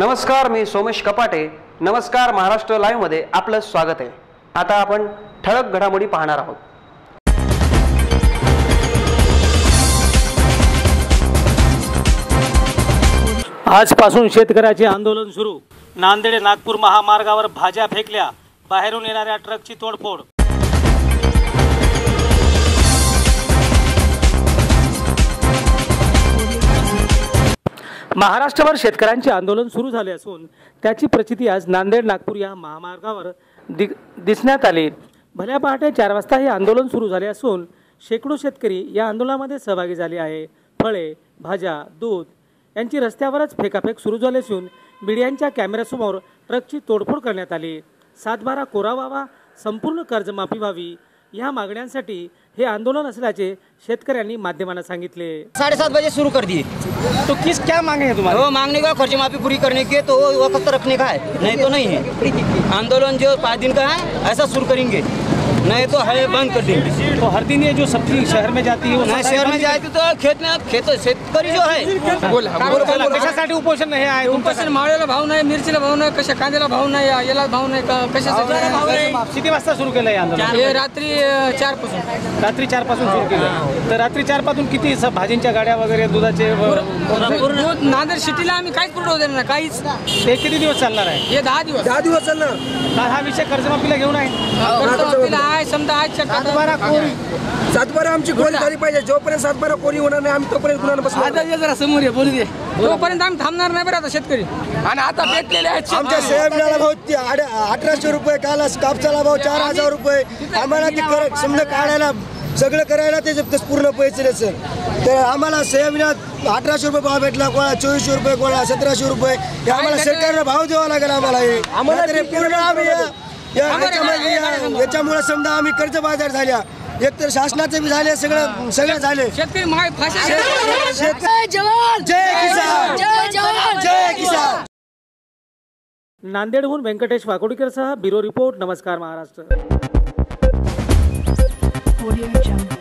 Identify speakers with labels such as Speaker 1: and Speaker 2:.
Speaker 1: नमस्कार, मी सोमेश कपाटे. नमस्कार महाराष्ट्र लाईव्ह मध्ये आपलं स्वागत आहे. आता आपण ठळक घडामोडी पाहणार आहोत.
Speaker 2: आजपासून शेतकऱ्याचे आंदोलन सुरू. नांदेड नागपूर महामार्गावर भाज्या फेकल्या, बाहेरून येणाऱ्या ट्रकची तोडफोड. महाराष्ट्रभर शेतकऱ्यांचे आंदोलन सुरू झाले असून त्याची प्रचिती आज नांदेड नागपूर या महामार्गावर दिसण्यात आली. भल्या पहाटे 4 वाजता हे आंदोलन सुरू झाले असून शेकडो शेतकरी या आंदोलनामध्ये सहभागी झाले आहे. फळे, भाज्या, दूध यांची रस्त्यावरच फेकाफेक सुरू झाली असून मीडियाच्या कॅमेऱ्यासमोर ट्रकची तोडफोड करण्यात आली. 7/12 कोरा व्हावा, संपूर्ण कर्जमाफी व्हावी या मागण्यांसाठी हे आंदोलन असल्याचे शेतकऱ्यांनी माध्यमांना सांगितले.
Speaker 3: 7:30 बजे शुरू कर दिए.
Speaker 2: तो किस क्या मांगे हैं तुम्हारे?
Speaker 3: वो मांगने का खर्च माफी पूरी करने के, तो वो वक्त रखने का है, नहीं तो नहीं है. आंदोलन जो 5 दिन का है ऐसा शुरू करेंगे, नहीं तो है बंद कर देंगे.
Speaker 2: तो हर दिन ये जो सब्जी शहर में जाती है वो
Speaker 3: नहीं, शहर में जाती तो खेत शेतकरी जो है
Speaker 2: कशासाठी उपोषण हे आहे?
Speaker 4: उपोषण माळ्याला भाव नाही, मिरचीला भाव नाही, कशा कांद्याला भाव नाही, याला भाव नाही, कशासाठी?
Speaker 2: किती वाजता सुरू केलं हे आंदोलन?
Speaker 4: हे रात्री 4 पासून.
Speaker 2: रात्री 4 पासून सुरू केलं. तर रात्री 4 पासून किती भाजींच्या गाड्या वगैरे, दुधाचे
Speaker 4: दूध नांदेड सिटीला आम्ही काहीच पुरवठा देणार नाही, काहीच.
Speaker 2: ते किती दिवस चालणार आहे?
Speaker 4: हे 10 दिवस
Speaker 2: चालणार. हा विषय कर्जमाफीला घेऊन आहे.
Speaker 4: कर्जमाफीला आहे, समजा आज
Speaker 5: 7/12 आमची कोरी झाली पाहिजे. जोपर्यंत 7/12 कोरी होणार नाही आम्ही तोपर्यंत गुन्हा बसणार.
Speaker 4: जरा समोर ये, बोलू दे. तोपर्यंत आम्ही थांबणार नाही बरं. आता शेतकरी आणि आता भेटलेले आहेत.
Speaker 5: आमच्या सोयाबीनला भाव 1800 रुपये, काल कापसाला भाव 4000 रुपये. आम्हाला ते समजा काढायला सगळं करायला ते पूर्ण पैसे सर. तर आम्हाला सोयाबीनात 1800 रुपये भाव भेटला, कोणा 2400 रुपये, कोणा 1700 रुपये. हे आम्हाला सरकारला भाव द्यावा लागेल. आम्हाला हे पूर्ण आम्ही याच्यामुळे समजा आम्ही कर्जबाजार झाल्या. एकतर शासनाचे बी झाले, सगळं झाले.
Speaker 4: शेतकरी
Speaker 5: जय जवान, जय किसान, जय जवान, जय किसान.
Speaker 2: नांदेडहून व्यंकटेश वाकोडीकरसह ब्युरो रिपोर्ट. नमस्कार महाराष्ट्र.